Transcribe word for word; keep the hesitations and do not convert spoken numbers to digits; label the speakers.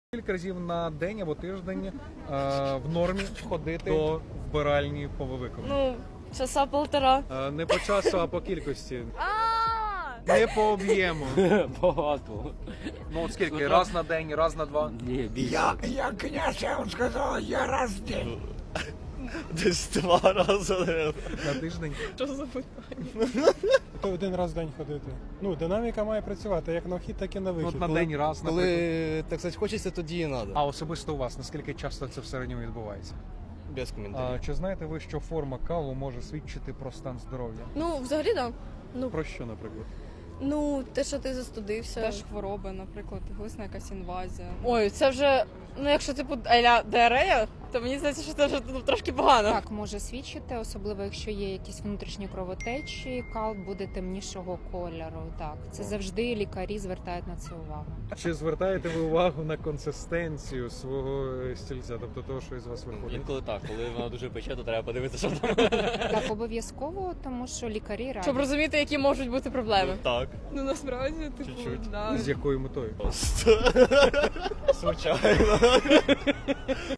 Speaker 1: Кілька разів на день або тиждень е, в нормі ходити до вбиральні по виклику.
Speaker 2: Ну, часа полтора.
Speaker 1: Е, не по часу, а по кількості.
Speaker 2: А!
Speaker 1: Не по об'єму.
Speaker 3: Багато.
Speaker 1: Ну от скільки? Раз на день, раз на два.
Speaker 3: Ні, більше.
Speaker 4: Я, я, князь, я вам сказал, я раз в день.
Speaker 3: Десь два рази.
Speaker 1: На тиждень.
Speaker 2: Що за питання?
Speaker 5: То один раз в день ходити. Ну, динаміка має працювати як на вхід, так і на
Speaker 1: Ну,
Speaker 5: вихід.
Speaker 1: от на день раз, наприклад.
Speaker 3: Коли, так сказати, хочеться, тоді і треба.
Speaker 1: А особисто у вас, наскільки часто це в середньому відбувається?
Speaker 3: Без коментарів.
Speaker 1: А, чи знаєте ви, що форма калу може свідчити про стан здоров'я?
Speaker 2: Ну, взагалі, так. Ну,
Speaker 1: Про що, наприклад?
Speaker 2: ну, те, що ти застудився.
Speaker 6: Теж хвороби, наприклад, глисна якась інвазія.
Speaker 2: Ой, це вже, ну якщо типу аля діарея, то мені здається, що це вже ну, трошки погано.
Speaker 7: Так, може свідчити, особливо якщо є якісь внутрішні кровотечі, кал буде темнішого кольору. Так, це завжди лікарі звертають на це увагу.
Speaker 1: Чи звертаєте ви увагу на консистенцію свого стільця, тобто того, що із вас виходить?
Speaker 3: Інколи так, коли вона дуже пече, то треба подивитися, що там.
Speaker 7: Так, обов'язково, тому що лікарі радять.
Speaker 2: Щоб розуміти, які можуть бути проблеми.
Speaker 3: Так.
Speaker 6: Ну насправді, типу,
Speaker 3: Чуть-чуть.
Speaker 6: да.
Speaker 1: З якою метою?
Speaker 3: Звичайно.